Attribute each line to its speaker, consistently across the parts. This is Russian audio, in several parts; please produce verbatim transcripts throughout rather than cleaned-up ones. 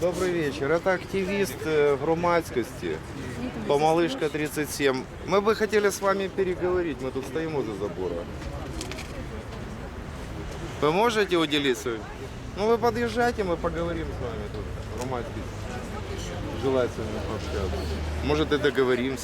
Speaker 1: Добрый вечер. Это активист э, громадскости, Помалышка тридцать семь. Мы бы хотели с вами переговорить, мы тут стоим возле забора. Вы можете уделиться? Ну вы подъезжайте, мы поговорим с вами тут. Громадский желает с вами пообщаться. Может и договоримся.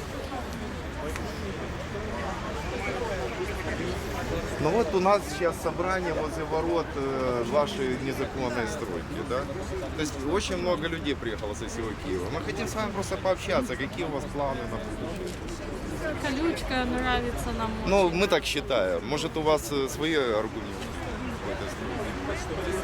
Speaker 1: Ну вот у нас сейчас собрание возле ворот э, вашей незаконной стройки, да? То есть очень много людей приехало со всего Киева. Мы хотим с вами просто пообщаться, какие у вас планы на будущее.
Speaker 2: Колючка нравится нам.
Speaker 1: Ну, мы так считаем. Может, у вас э, свои аргументы в этой стройке?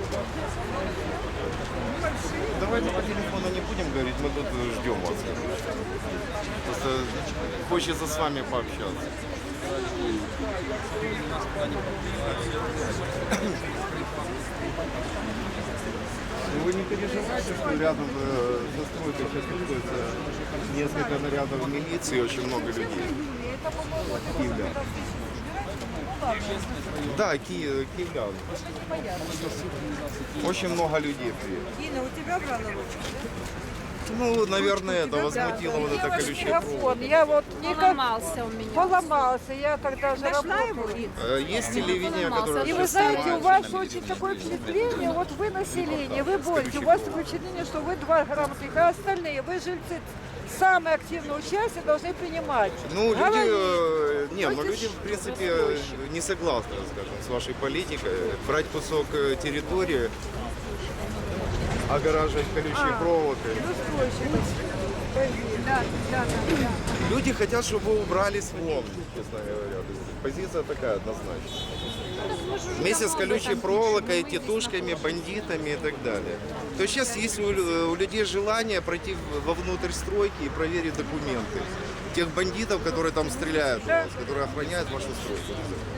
Speaker 1: Давайте по телефону не будем говорить, мы тут ждем вас. Просто хочется с вами пообщаться. Вы не переживайте, что рядом э, со стройкой сейчас находится несколько нарядов милиции, очень много людей. Киевлян. Да, ки киевлян. Очень много людей приехало.
Speaker 3: Инна, у тебя брала ручку?
Speaker 1: Ну, наверное, это возмутило вот это колючее провод.
Speaker 3: Телефон, я вот никак
Speaker 2: Поломался у меня.
Speaker 3: поломался, я тогда же работала.
Speaker 1: Э, Есть телевидение, которое
Speaker 3: И вы
Speaker 1: всё
Speaker 3: знаете, у
Speaker 1: снимает.
Speaker 3: вас очень такое впечатление, вот вы население, вы боретесь, у вас такое впечатление, что вы два грамотных, а остальные, вы жильцы, самое активное участие должны принимать.
Speaker 1: Ну, люди,
Speaker 3: Говорить.
Speaker 1: э, не, ну
Speaker 3: Хоть
Speaker 1: люди,
Speaker 3: и
Speaker 1: в принципе, э, не согласны, скажем, с вашей политикой. Брать кусок э, территории, огораживать колючей проволокой.
Speaker 3: Ну, стройщик. Да, да, да, да.
Speaker 1: Люди хотят, чтобы вы убрались вон, честно говоря. То есть позиция такая однозначная. Вместе с колючей проволокой, тетушками, бандитами и так далее. То есть сейчас есть у, у людей желание пройти вовнутрь стройки и проверить документы. Тех бандитов, которые там стреляют у вас, которые охраняют вашу стройку.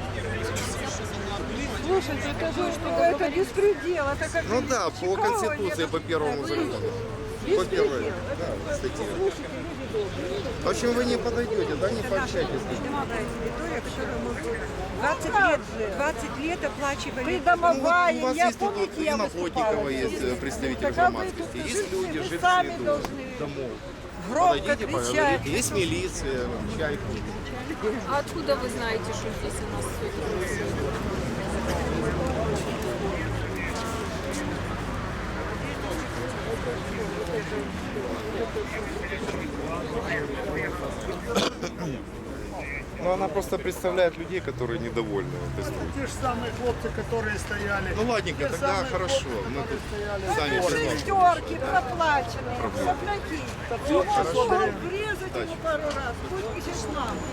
Speaker 3: Слушайте, это же это беспредел, это как
Speaker 1: Ну да, по
Speaker 3: Чикаго,
Speaker 1: Конституции,
Speaker 3: это
Speaker 1: по первому закону. По
Speaker 3: беспредел.
Speaker 1: первой да, статье. В общем, вы не подойдете, да, не пообщайтесь.
Speaker 3: двадцать лет, двадцать лет оплачивали.
Speaker 1: Ну, вот у вас
Speaker 3: я
Speaker 1: есть тут
Speaker 3: помните,
Speaker 1: вот
Speaker 3: я
Speaker 1: и на
Speaker 3: выступала
Speaker 1: Плотникова
Speaker 3: здесь?
Speaker 1: есть э, представитель
Speaker 3: Так, а вы
Speaker 1: громадскости,
Speaker 3: тут
Speaker 1: есть
Speaker 3: жильцы,
Speaker 1: люди,
Speaker 3: вы
Speaker 1: жильцы
Speaker 3: сами
Speaker 1: идут
Speaker 3: должны
Speaker 1: домов.
Speaker 3: Громко
Speaker 1: Подойдите,
Speaker 3: кричать.
Speaker 1: поговорите. Есть милиция, чайку.
Speaker 2: А откуда вы знаете, что здесь у нас все это происходит?
Speaker 1: Ну, она просто представляет людей, которые недовольны этой стройкой.
Speaker 4: Те же самые хлопцы, которые стояли.
Speaker 1: Ну, ладненько,
Speaker 4: Те
Speaker 1: тогда
Speaker 4: самые
Speaker 1: хорошо.
Speaker 4: хлопцы,
Speaker 1: Мы
Speaker 4: которые
Speaker 1: тут
Speaker 4: стояли.
Speaker 1: сами поговорим.
Speaker 3: Шестерки проплаченные, сопляки. Его что, врезать ему пару раз, пусть пишешь нам.